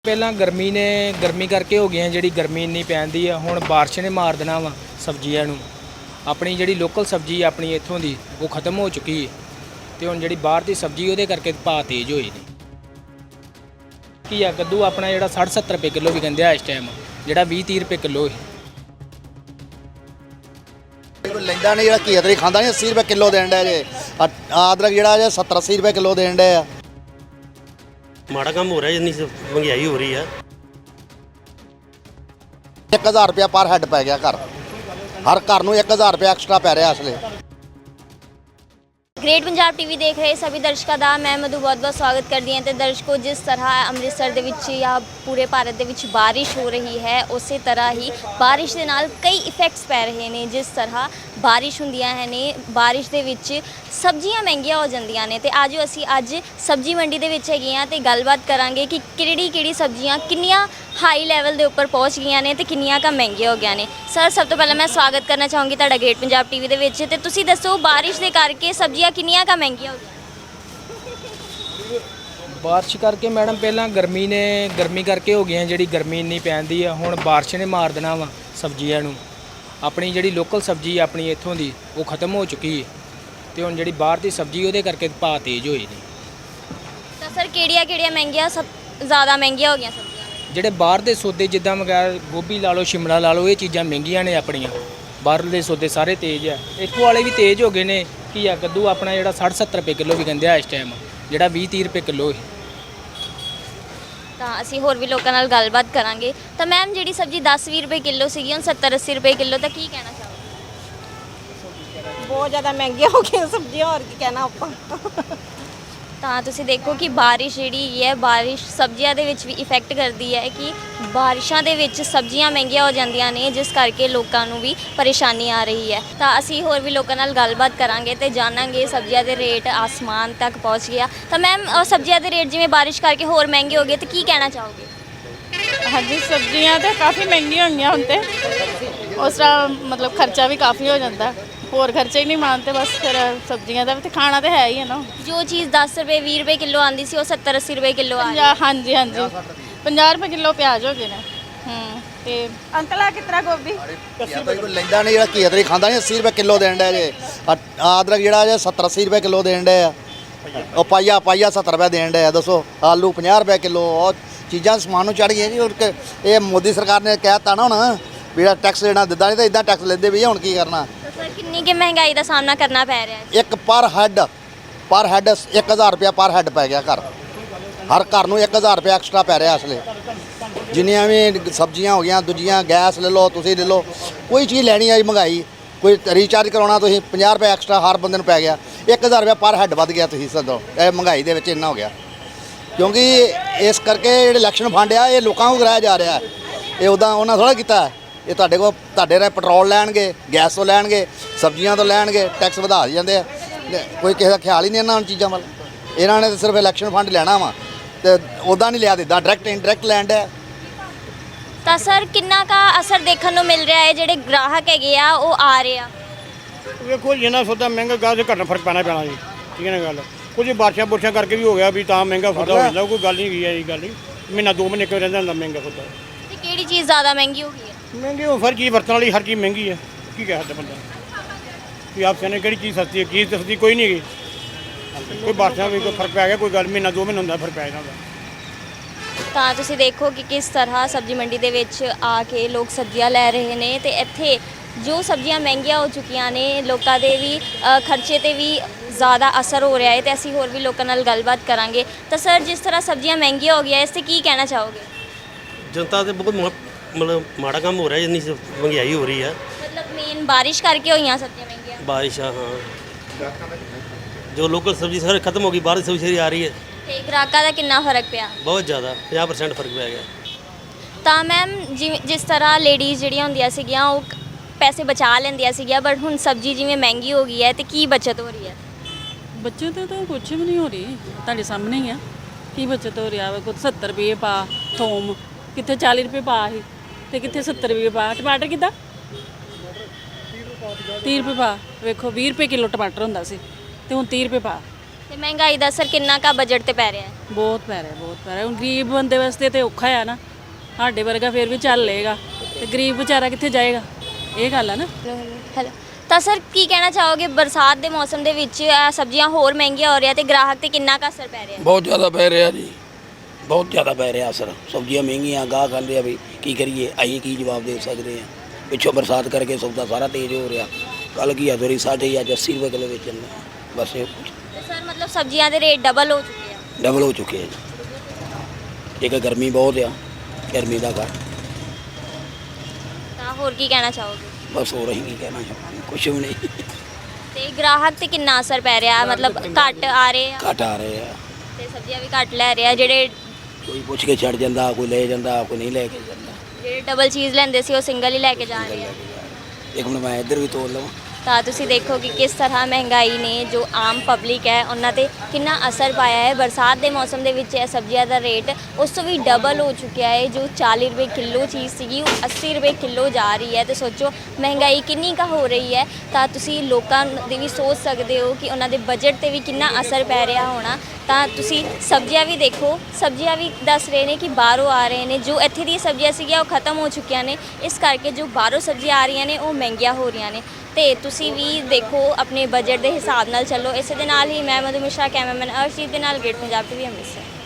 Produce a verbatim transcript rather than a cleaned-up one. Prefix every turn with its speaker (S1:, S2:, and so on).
S1: ਪਹਿਲਾਂ ਗਰਮੀ ਨੇ ਗਰਮੀ ਕਰਕੇ ਹੋ ਗਈਆਂ ਜਿਹੜੀ ਗਰਮੀ ਇੰਨੀ ਪੈਂਦੀ ਆ ਹੁਣ ਬਾਰਿਸ਼ ਨੇ ਮਾਰ ਦੇਣਾ ਵਾ ਸਬਜ਼ੀਆਂ ਨੂੰ। ਆਪਣੀ ਜਿਹੜੀ ਲੋਕਲ ਸਬਜ਼ੀ ਆਪਣੀ ਇੱਥੋਂ ਦੀ ਉਹ ਖਤਮ ਹੋ ਚੁੱਕੀ ਹੈ ਤੇ ਹੁਣ ਜਿਹੜੀ ਬਾਹਰ ਦੀ ਸਬਜ਼ੀ ਉਹਦੇ ਕਰਕੇ ਭਾਅ ਤੇਜ਼ ਹੋਏ ਨੇ। ਕੀ ਆ ਕੱਦੂ ਆਪਣਾ ਜਿਹੜਾ ਸੱਠ ਸੱਤਰ ਰੁਪਏ ਕਿਲੋ ਵੀ ਕਹਿੰਦੇ ਆ ਇਸ ਟਾਈਮ, ਜਿਹੜਾ ਵੀਹ ਤੀਹ ਰੁਪਏ ਕਿਲੋ ਹੈ।
S2: ਲੈਂਦਾ ਨਹੀਂ, ਜਿਹੜਾ ਘੀਆ ਤਰੀ ਖਾਂਦਾ ਨਹੀਂ अस्सी ਰੁਪਏ ਕਿਲੋ ਦੇਣ ਡਿਆ ਜੇ। ਅਦਰਕ ਜਿਹੜਾ ਜੇ ਸੱਤਰ अस्सी ਰੁਪਏ ਕਿਲੋ ਦੇਣ ਡਿਆ ਆ।
S3: ਮਾੜਾ ਕੰਮ ਹੋ ਰਿਹਾ, ਜਿੰਨੀ ਮਹਿੰਗਾਈ ਹੋ ਰਹੀ ਆ।
S2: ਇੱਕ ਹਜ਼ਾਰ ਰੁਪਇਆ ਪਰ ਹੈਡ ਪੈ ਗਿਆ ਘਰ, ਹਰ ਘਰ ਨੂੰ ਇੱਕ ਹਜ਼ਾਰ ਰੁਪਇਆ ਐਕਸਟਰਾ ਪੈ ਰਿਹਾ ਅਸਲੇ।
S4: ग्रेट पंजाब टीवी देख रहे सभी दर्शकों का मैं मधु बहुत बहुत स्वागत करती हैं। तो दर्शकों, जिस तरह अमृतसर दे विच या पूरे भारत दे विच बारिश हो रही है, उस तरह ही बारिश के नाल कई इफेक्ट्स पै रहे हैं। जिस तरह बारिश हुंदियां है ने, बारिश दे विच सब्जियां महंगियां हो जांदियां ने। ते आज असीं अज सब्जी मंडी दे विच हैगे हां ते गलबात करांगे कि किहड़ी किहड़ी सब्जियां किन्नियां हाई लैवल के उपर पहुँच गई ने ते किन्नियां का महंगियां हो गई ने। सर, सब तो पहले मैं स्वागत करना चाहूँगी तुहाडा ग्रेट पंजाब टीवी दे विच। ते तुसीं दसो, बारिश के करके सब्जियां किन्नियां का महंगियां हो गई?
S1: ਬਾਰਿਸ਼ ਕਰਕੇ ਮੈਡਮ ਪਹਿਲਾਂ ਗਰਮੀ ਨੇ ਗਰਮੀ ਕਰਕੇ ਹੋ ਗਈਆਂ ਜਿਹੜੀ ਗਰਮੀ ਇੰਨੀ ਪੈਂਦੀ ਆ ਹੁਣ ਬਾਰਿਸ਼ ਨੇ ਮਾਰ ਦੇਣਾ ਵਾ ਸਬਜ਼ੀਆਂ ਨੂੰ। ਆਪਣੀ ਜਿਹੜੀ ਲੋਕਲ ਸਬਜ਼ੀ ਆਪਣੀ ਇੱਥੋਂ ਦੀ ਉਹ ਖਤਮ ਹੋ ਚੁੱਕੀ ਹੈ ਤੇ ਹੁਣ ਜਿਹੜੀ ਬਾਹਰ ਦੀ ਸਬਜ਼ੀ ਉਹਦੇ ਕਰਕੇ ਭਾਅ ਤੇਜ਼ ਹੋਏ ਨੇ।
S4: ਤਾਂ ਸਰ ਕਿਹੜੀਆਂ ਕਿਹੜੀਆਂ ਮਹਿੰਗੀਆਂ ਸਭ ਜ਼ਿਆਦਾ ਮਹਿੰਗੀਆਂ ਹੋ ਗਈਆਂ ਸਬਜ਼ੀਆਂ?
S1: ਜਿਹੜੇ ਬਾਹਰ ਦੇ ਸੌਦੇ ਜਿੱਦਾਂ ਵਗੈਰਾ ਗੋਭੀ ਲਾ ਲਓ, ਸ਼ਿਮਲਾ ਲਾ ਲਓ, ਇਹ ਚੀਜ਼ਾਂ ਮਹਿੰਗੀਆਂ ਨੇ। ਆਪਣੀਆਂ ਬਾਹਰ ਦੇ ਸੌਦੇ ਸਾਰੇ ਤੇਜ਼ ਆ, ਇੱਥੋਂ ਵਾਲੇ ਵੀ ਤੇਜ਼ ਹੋ ਗਏ ਨੇ। ਕੀ ਆ ਕੱਦੂ ਆਪਣਾ ਜਿਹੜਾ ਸੱਠ ਸੱਤਰ ਰੁਪਏ ਕਿਲੋ ਵੀ ਕਹਿੰਦੇ ਆ ਇਸ ਟਾਈਮ, ਜਿਹੜਾ ਵੀਹ ਤੀਹ ਰੁਪਏ ਕਿਲੋ ਹੈ।
S4: ਤਾਂ ਅਸੀਂ ਹੋਰ ਵੀ ਲੋਕਾਂ ਨਾਲ ਗੱਲਬਾਤ ਕਰਾਂਗੇ। ਤਾਂ ਮੈਮ, ਜਿਹੜੀ ਸਬਜ਼ੀ ਦਸ ਵੀਹ ਰੁਪਏ ਕਿਲੋ ਸੀਗੀ ਹੁਣ ਸੱਤਰ अस्सी ਰੁਪਏ ਕਿਲੋ, ਤਾਂ ਕੀ ਕਹਿਣਾ ਚਾਹੋਗੇ?
S5: ਬਹੁਤ ਜ਼ਿਆਦਾ ਮਹਿੰਗੀਆਂ ਹੋ ਗਈਆਂ ਸਬਜ਼ੀਆਂ, ਹੋਰ ਕੀ ਕਹਿਣਾ ਆਪਾਂ।
S4: ਤਾਂ ਤੁਸੀਂ ਦੇਖੋ ਕਿ ਬਾਰਿਸ਼ ਜਿਹੜੀ ਹੈ, ਬਾਰਿਸ਼ ਸਬਜ਼ੀਆਂ ਦੇ ਵਿੱਚ ਵੀ ਇਫੈਕਟ ਕਰਦੀ ਹੈ ਕਿ ਬਾਰਿਸ਼ਾਂ ਦੇ ਵਿੱਚ ਸਬਜ਼ੀਆਂ ਮਹਿੰਗੀਆਂ ਹੋ ਜਾਂਦੀਆਂ ਨੇ, ਜਿਸ ਕਰਕੇ ਲੋਕਾਂ ਨੂੰ ਵੀ ਪਰੇਸ਼ਾਨੀ ਆ ਰਹੀ ਹੈ। ਤਾਂ ਅਸੀਂ ਹੋਰ ਵੀ ਲੋਕਾਂ ਨਾਲ ਗੱਲਬਾਤ ਕਰਾਂਗੇ ਤੇ ਜਾਣਾਂਗੇ ਸਬਜ਼ੀਆਂ ਦੇ ਰੇਟ ਆਸਮਾਨ ਤੱਕ ਪਹੁੰਚ ਗਿਆ। ਤਾਂ ਮੈਮ, ਸਬਜ਼ੀਆਂ ਦੇ ਰੇਟ ਜਿਵੇਂ ਬਾਰਿਸ਼ ਕਰਕੇ ਹੋਰ ਮਹਿੰਗੇ ਹੋ ਗਏ, ਤਾਂ ਕੀ ਕਹਿਣਾ ਚਾਹੋਗੇ?
S5: ਹਾਂਜੀ, ਸਬਜ਼ੀਆਂ ਤਾਂ ਕਾਫੀ ਮਹਿੰਗੀਆਂ ਹੋਈਆਂ ਹੁਣ ਤੇ, ਉਸ ਤਰ੍ਹਾਂ ਮਤਲਬ ਖਰਚਾ ਵੀ ਕਾਫੀ ਹੋ ਜਾਂਦਾ, ਹੋਰ ਖਰਚੇ ਹੀ ਨਹੀਂ ਮਾਨਤੇ। ਬਸ ਫਿਰ ਸਬਜ਼ੀਆਂ ਦਾ ਵੀ ਤੇ ਖਾਣਾ ਤਾਂ ਹੈ ਹੀ ਹੈ ਨਾ।
S4: ਜੋ ਚੀਜ਼ ਦਸ ਰੁਪਏ ਵੀਹ ਰੁਪਏ ਕਿਲੋ ਆਉਂਦੀ ਸੀ ਉਹ ਸੱਤਰ अस्सी ਰੁਪਏ ਕਿਲੋ ਆ ਰਹੀ ਹੈ।
S5: ਹਾਂਜੀ ਹਾਂਜੀ, ਪੰਜਾਹ ਰੁਪਏ ਕਿਲੋ ਪਿਆਜ਼ ਹੋ ਗਏ ਨੇ। ਹੂੰ, ਤੇ ਅੰਕਲ ਆ ਕਿਤਨਾ ਗੋਭੀ?
S2: ਕੋਈ ਲੈਂਦਾ ਨਹੀਂ, ਜਿਹੜਾ ਘੀਆ ਤਰੀ ਖਾਂਦਾ ਨਹੀਂ अस्सी ਰੁਪਏ ਕਿਲੋ ਦੇਣ ਡਿਆ ਜੇ। ਅਦਰਕ ਜਿਹੜਾ ਜੇ ਸੱਤਰ अस्सी ਰੁਪਏ ਕਿਲੋ ਦੇਣ ਡਿਆ ਆ। ਉਹ ਪਾਈਆ ਪਾਈਆ ਸੱਤਰ ਰੁਪਏ ਦੇਣ ਡਿਆ। ਦੱਸੋ, ਆਲੂ ਪੰਜਾਹ ਰੁਪਏ ਕਿਲੋ, ਉਹ ਚੀਜ਼ਾਂ ਸਮਾਨ ਨੂੰ ਚੜ੍ਹ ਗਈਆਂ ਜੀ। ਹੁਣ ਕਿ ਇਹ ਮੋਦੀ ਸਰਕਾਰ ਨੇ ਕਹਿ ਤਾ ਨਾ ਹੁਣ ਵੀ ਜਿਹੜਾ ਟੈਕਸ ਦੇਣਾ ਦਿੰਦਾ ਨਹੀਂ ਤਾਂ ਇਦਾਂ ਟੈਕਸ ਲੈਂਦੇ ਵੀ ਹੁਣ ਕੀ ਕਰਨਾ।
S4: ਤਾਂ ਸਰ ਕਿੰਨੀ ਕਿ ਮਹਿੰਗਾਈ ਦਾ ਸਾਹਮਣਾ ਕਰਨਾ ਪੈ ਰਿਹਾ ਹੈ?
S2: ਇੱਕ ਪਰ ਹੈਡ ਪਰ ਹੈਡ ਇੱਕ ਹਜ਼ਾਰ ਰੁਪਇਆ ਪਰ ਹੈਡ ਪੈ ਗਿਆ ਘਰ, ਹਰ ਘਰ ਨੂੰ ਇੱਕ ਹਜ਼ਾਰ ਰੁਪਇਆ ਐਕਸਟਰਾ ਪੈ ਰਿਹਾ ਅਸਲੇ। ਜਿੰਨੀਆਂ ਵੀ ਸਬਜ਼ੀਆਂ ਹੋ ਗਈਆਂ, ਦੂਜੀਆਂ ਗੈਸ ਲੈ ਲਓ, ਤੁਸੀਂ ਲੈ ਲਓ, ਕੋਈ ਚੀਜ਼ ਲੈਣੀ ਆ ਜੀ ਮਹਿੰਗਾਈ। ਕੋਈ ਰੀਚਾਰਜ ਕਰਾਉਣਾ ਤੁਸੀਂ ਪੰਜਾਹ ਰੁਪਏ ਐਕਸਟਰਾ ਹਰ ਬੰਦੇ ਨੂੰ ਪੈ ਗਿਆ। ਇੱਕ ਹਜ਼ਾਰ ਰੁਪਇਆ ਪਰ ਹੈਡ ਵੱਧ ਗਿਆ। ਤੁਸੀਂ ਸਦੋ ਇਹ ਮਹਿੰਗਾਈ ਦੇ ਵਿੱਚ ਇੰਨਾ ਹੋ ਗਿਆ, ਕਿਉਂਕਿ ਇਸ ਕਰਕੇ ਜਿਹੜੇ ਇਲੈਕਸ਼ਨ ਫੰਡ ਆ ਇਹ ਲੋਕਾਂ ਨੂੰ ਕਰਾਇਆ ਜਾ ਰਿਹਾ। ਇਹ ਉੱਦਾਂ ਉਹਨਾਂ ਥੋੜ੍ਹਾ ਕੀਤਾ। ਇਹ ਤੁਹਾਡੇ ਕੋਲ ਤੁਹਾਡੇ ਨਾਲ ਪੈਟਰੋਲ ਲੈਣਗੇ, ਗੈਸ ਤੋਂ ਲੈਣਗੇ, ਸਬਜ਼ੀਆਂ ਤੋਂ ਲੈਣਗੇ, ਟੈਕਸ ਵਧਾ ਜਾਂਦੇ ਆ। ਕੋਈ ਕਿਸੇ ਦਾ ਖਿਆਲ ਹੀ ਨਹੀਂ ਇਹਨਾਂ ਚੀਜ਼ਾਂ ਵੱਲ। ਇਹਨਾਂ ਨੇ ਤਾਂ ਸਿਰਫ ਇਲੈਕਸ਼ਨ ਫੰਡ ਲੈਣਾ ਵਾ ਤੇ ਉੱਦਾਂ ਨਹੀਂ ਲਿਆ ਦਿੱਤਾ, ਡਾਇਰੈਕਟ ਇਨਡਾਇਰੈਕਟ ਲੈਂਡ ਹੈ।
S4: ਤਾਂ ਸਰ ਕਿੰਨਾ ਕਾ ਅਸਰ ਦੇਖਣ ਨੂੰ ਮਿਲ ਰਿਹਾ ਹੈ? ਜਿਹੜੇ ਗ੍ਰਾਹਕ ਹੈਗੇ ਆ ਉਹ ਆ ਰਹੇ ਆ?
S6: ਵੇਖੋ ਜਿੰਨਾ ਸੌਦਾ ਮਹਿੰਗਾ ਗਾ ਤੇ ਘਟਣਾ ਫਰਕ ਪੈਣਾ ਪੈਣਾ ਜੀ। ਠੀਕ ਹੈ ਨਾ ਗੱਲ। ਕੁਝ ਬਾਰਿਸ਼ਾਂ ਬੁਰਸ਼ਾਂ ਕਰਕੇ ਵੀ ਹੋ ਗਿਆ ਵੀ ਤਾਂ ਮਹਿੰਗਾ ਸੌਦਾ ਹੋ ਜਾਂਦਾ। ਕੋਈ ਗੱਲ ਨਹੀਂ ਗਈ ਹੈ ਇਹ ਗੱਲ ਨਹੀਂ। ਮਹੀਨਾ ਦੋ ਮਹੀਨੇ ਕਿਉਂ ਰਹਿੰਦਾ ਹੁੰਦਾ ਮਹਿੰਗਾ ਸੌਦਾ।
S4: ਤੇ ਕਿਹੜੀ ਚੀਜ਼ ਜ਼ਿਆਦਾ ਮਹਿੰਗੀ ਹੋ ਗਈ ਹੈ?
S6: ਮਹਿੰਗੀ ਹੋ ਹਰ ਚੀਜ਼ ਵਰਤਣ ਵਾਲੀ, ਹਰ ਚੀਜ਼ ਮਹਿੰਗੀ ਹੈ। ਕੀ ਕਹਿ ਸਕਦਾ ਬੰਦਾ ਵੀ ਆਪ ਸਿਆਣੇ ਕਿਹੜੀ ਚੀਜ਼ ਸਸਤੀ ਹੈ, ਕੀ ਸਸਤੀ ਕੋਈ ਨਹੀਂ ਹੈਗੀ। ਕੋਈ ਬਾਰਿਸ਼ਾਂ ਵੀ ਕੋਈ ਫਰਕ ਪੈ ਗਿਆ, ਕੋਈ ਗੱਲ ਮਹੀਨਾ ਦੋ ਮਹੀਨੇ ਹੁੰਦਾ ਫਰਕ ਪੈ ਜਾਂਦਾ।
S4: ਤਾਂ ਤੁਸੀਂ ਦੇਖੋ ਕਿ ਕਿਸ ਤਰ੍ਹਾਂ ਸਬਜ਼ੀ ਮੰਡੀ ਦੇ ਵਿੱਚ ਆ ਕੇ ਲੋਕ ਸਬਜ਼ੀਆਂ ਲੈ ਰਹੇ ਨੇ ਤੇ ਇੱਥੇ ਜੋ ਸਬਜ਼ੀਆਂ ਮਹਿੰਗੀਆਂ ਹੋ ਚੁੱਕੀਆਂ ਨੇ, ਲੋਕਾਂ ਦੇ ਵੀ ਅ, ਖਰਚੇ ਤੇ ਵੀ ਜ਼ਿਆਦਾ ਅਸਰ ਹੋ ਰਿਹਾ ਹੈ। ਤੇ ਅਸੀਂ ਹੋਰ ਵੀ ਲੋਕਾਂ ਨਾਲ ਗੱਲਬਾਤ ਕਰਾਂਗੇ। ਤਾਂ ਸਰ, ਜਿਸ ਤਰ੍ਹਾਂ ਸਬਜ਼ੀਆਂ ਮਹਿੰਗੀਆਂ ਹੋ ਗਈਆਂ, ਇਸ ਤੇ ਕੀ ਕਹਿਣਾ ਚਾਹੋਗੇ?
S3: ਜਨਤਾ ਤੇ ਬਹੁਤ ਮਾ- ਮਤਲਬ ਮਾੜਾ ਕੰਮ ਹੋ ਰਿਹਾ, ਜਿੰਨੀ ਮਹਿੰਗਾਈ ਹੋ ਰਹੀ ਆ।
S4: ਮਤਲਬ ਮੇਨ ਬਾਰਿਸ਼ ਕਰਕੇ ਹੋਈਆਂ ਸਬਜ਼ੀਆਂ ਮਹਿੰਗੀਆਂ?
S3: ਬਾਰਿਸ਼ ਆ, ਹਾਂ। ਜੋ ਲੋਕਲ ਸਬਜ਼ੀ ਸਾਰੇ ਖਤਮ ਹੋ ਗਈ, ਬਾਹਰ ਦੀ ਸਬਜ਼ੀ ਆ ਰਹੀ ਹੈ।
S4: ਤੇ ਗ੍ਰਾਹਕਾਂ ਦਾ ਕਿੰਨਾ ਫਰਕ ਪਿਆ?
S3: ਬਹੁਤ ਜ਼ਿਆਦਾ, ਪੰਜਾਹ ਪਰਸੈਂਟ ਫਰਕ ਪੈ ਗਿਆ।
S4: ਤਾਂ ਮੈਮ, ਜਿਵੇਂ ਜਿਸ ਤਰ੍ਹਾਂ ਲੇਡੀਜ਼ ਜਿਹੜੀਆਂ ਹੁੰਦੀਆਂ ਸੀਗੀਆਂ ਉਹ ਪੈਸੇ ਬਚਾ ਲੈਂਦੀਆਂ ਸੀਗੀਆਂ, ਬਟ ਹੁਣ ਸਬਜ਼ੀ ਜਿਵੇਂ ਮਹਿੰਗੀ ਹੋ ਗਈ ਹੈ ਤੇ ਕੀ ਬਚਤ ਹੋ ਰਹੀ ਹੈ?
S7: ਬੱਚਤ ਤਾਂ ਕੁਛ ਵੀ ਨਹੀਂ ਹੋ ਰਹੀ, ਤੁਹਾਡੇ ਸਾਹਮਣੇ ਹੀ ਆ। ਕੀ ਬਚਤ ਹੋ ਰਿਹਾ ਵਾ? ਕੋਈ ਸੱਤਰ ਰੁਪਏ ਪਾ ਥੋਮ, ਕਿੱਥੇ ਚਾਲੀ ਰੁਪਏ ਪਾ ਸੀ ਤੇ ਕਿੱਥੇ ਸੱਤਰ ਰੁਪਏ ਪਾ। ਟਮਾਟਰ ਕਿੱਦਾਂ ਤੀਹ ਰੁਪਏ ਪਾ। ਵੇਖੋ ਵੀਹ ਰੁਪਏ ਕਿਲੋ ਟਮਾਟਰ ਹੁੰਦਾ ਸੀ ਤੇ ਹੁਣ ਤੀਹ ਰੁਪਏ ਪਾ।
S4: ਤੇ ਮਹਿੰਗਾਈ ਦਾ ਅਸਰ ਕਿੰਨਾ ਕਾ ਬਜਟ ਤੇ ਪੈ ਰਿਹਾ ਹੈ?
S7: ਬਹੁਤ ਪੈ ਰਿਹਾ ਬਹੁਤ ਪੈ ਰਿਹਾ ਹੁਣ ਗਰੀਬ ਬੰਦੇ ਵਾਸਤੇ ਤੇ ਔਖਾ ਆ ਨਾ ਸਾਡੇ ਵਰਗਾ ਫਿਰ ਵੀ ਚੱਲ ਲਏਗਾ ਤੇ ਗਰੀਬ ਵਿਚਾਰਾ ਕਿੱਥੇ ਜਾਏਗਾ ਇਹ ਗੱਲ ਆ ਨਾ
S4: ਹੈਲੋ ਤਾਂ ਸਰ ਕੀ ਕਹਿਣਾ ਚਾਹੋਗੇ ਬਰਸਾਤ ਦੇ ਮੌਸਮ ਦੇ ਵਿੱਚ ਅ, ਸਬਜ਼ੀਆਂ ਹੋਰ ਮਹਿੰਗੀਆਂ ਹੋ ਰਹੀਆਂ ਤੇ ਗ੍ਰਾਹਕ ਤੇ ਕਿੰਨਾ ਕਾ ਅਸਰ ਪੈ ਰਿਹਾ ਹੈ?
S8: ਬਹੁਤ ਜ਼ਿਆਦਾ ਪੈ ਰਿਹਾ ਜੀ ਬਹੁਤ ਜ਼ਿਆਦਾ ਪੈ ਰਿਹਾ ਅਸਰ ਸਬਜ਼ੀਆਂ ਮਹਿੰਗੀਆਂ ਗਾਹ ਖਾਂਦੇ ਆ ਵੀ ਕੀ ਕਰੀਏ ਅਸੀਂ ਕੀ ਜਵਾਬ ਦੇ ਸਕਦੇ ਆ ਪਿੱਛੋਂ ਬਰਸਾਤ ਕਰਕੇ ਸੌਦਾ ਸਾਰਾ ਤੇਜ਼ ਹੋ ਰਿਹਾ ਕੱਲ ਕੀ ਆ ਥੋੜੀ ਸਾਢੇ ਅੱਜ ਅੱਸੀ ਰੁਪਏ ਕਿਲੋ ਵੇਚਣ ਨੂੰ ਬਸ ਇਹ
S4: ਤੇ ਸਰ ਮਤਲਬ ਸਬਜ਼ੀਆਂ ਦੇ ਰੇਟ ਡਬਲ ਹੋ ਚੁੱਕੇ ਆ।
S8: ਡਬਲ ਹੋ ਚੁੱਕੇ ਆ ਜੀ ਇੱਕ ਗਰਮੀ ਬਹੁਤ ਆ ਗਰਮੀ ਦਾ ਕਰ
S4: ਤਾਂ ਹੋਰ ਕੀ ਕਹਿਣਾ ਚਾਹੋਗੇ?
S8: ਬਸ ਹੋ ਰਹੀ ਕੀ ਕਹਿਣਾ ਚਾਹੁੰਦੇ ਕੁਛ ਵੀ ਨਹੀਂ
S4: ਤੇ ਗ੍ਰਾਹਕ ਤੇ ਕਿੰਨਾ ਅਸਰ ਪੈ ਰਿਹਾ ਮਤਲਬ ਘੱਟ ਆ ਰਹੇ ਆ
S8: ਘੱਟ ਆ ਰਹੇ ਆ
S4: ਤੇ ਸਬਜ਼ੀਆਂ ਵੀ ਘੱਟ ਲੈ ਰਹੇ ਆ ਜਿਹੜੇ
S8: ਕੋਈ ਪੁੱਛ ਕੇ ਛੱਡ ਜਾਂਦਾ ਕੋਈ ਲੈ ਜਾਂਦਾ ਕੋਈ ਨਹੀਂ ਲੈ ਕੇ ਜਾਂਦਾ
S4: ਜਿਹੜੇ ਡਬਲ ਚੀਜ਼ ਲੈਂਦੇ ਸੀ ਉਹ ਸਿੰਗਲ ਹੀ ਲੈ ਕੇ ਜਾ ਰਹੇ ਆ।
S8: ਇੱਕ ਮਿੰਟ ਮੈਂ ਇੱਧਰ ਵੀ ਤੋੜ ਲਵਾਂ
S4: ਤਾਂ ਤੁਸੀਂ ਦੇਖੋ ਕਿ ਕਿਸ ਤਰ੍ਹਾਂ ਮਹਿੰਗਾਈ ਨੇ ਜੋ ਆਮ ਪਬਲਿਕ ਹੈ ਉਹਨਾਂ ਤੇ ਕਿੰਨਾ ਅਸਰ ਪਾਇਆ ਹੈ। ਬਰਸਾਤ ਦੇ ਮੌਸਮ ਦੇ ਵਿੱਚ ਇਹ ਸਬਜ਼ੀਆਂ ਦਾ ਰੇਟ ਉਸ ਤੋਂ ਵੀ ਡਬਲ ਹੋ ਚੁੱਕਿਆ ਹੈ। ਜੋ ਚਾਲੀ ਰੁਪਏ ਕਿਲੋ ਚੀਜ਼ ਸੀਗੀ ਉਹ ਅੱਸੀ ਰੁਪਏ ਕਿਲੋ ਜਾ ਰਹੀ ਹੈ ਤੇ ਸੋਚੋ ਮਹਿੰਗਾਈ ਕਿੰਨੀ ਕੁ ਹੋ ਰਹੀ ਹੈ। ਤਾਂ ਤੁਸੀਂ ਲੋਕਾਂ ਦੀ ਵੀ ਸੋਚ ਸਕਦੇ ਹੋ ਕਿ ਉਹਨਾਂ ਦੇ ਬਜਟ ਤੇ ਵੀ ਕਿੰਨਾ ਅਸਰ ਪੈ ਰਿਹਾ ਹੋਣਾ। ਤਾਂ ਤੁਸੀਂ ਸਬਜ਼ੀਆਂ ਵੀ ਦੇਖੋ ਸਬਜ਼ੀਆਂ ਵੀ ਦੱਸ ਰਹੇ ਨੇ ਕਿ ਬਾਹਰੋਂ ਆ ਰਹੇ ਨੇ ਜੋ ਇੱਥੇ ਦੀ ਸਬਜ਼ੀਆਂ ਸੀਗੀਆਂ ਉਹ ਖਤਮ ਹੋ ਚੁੱਕੀਆਂ ਨੇ ਇਸ ਕਰਕੇ ਜੋ ਬਾਹਰੋਂ ਸਬਜ਼ੀਆਂ ਆ ਰਹੀਆਂ ਨੇ ਉਹ ਮਹਿੰਗੀਆਂ ਹੋ ਰਹੀਆਂ ਨੇ। ਤੇ ਤੁਸੀਂ ਵੀ ਦੇਖੋ ਆਪਣੇ ਬਜਟ ਦੇ ਹਿਸਾਬ ਨਾਲ ਚੱਲੋ। ਇਸੇ ਦੇ ਨਾਲ ਹੀ ਮੈਂ ਮਧੂ ਮਿਸ਼ਰਾ ਕੈਮਰਾਮੈਨ ਅਰਸ਼ਦੀਪ ਦੇ ਨਾਲ ਗ੍ਰੇਟ ਪੰਜਾਬ ਟੀਵੀ ਅੰਮ੍ਰਿਤਸਰ।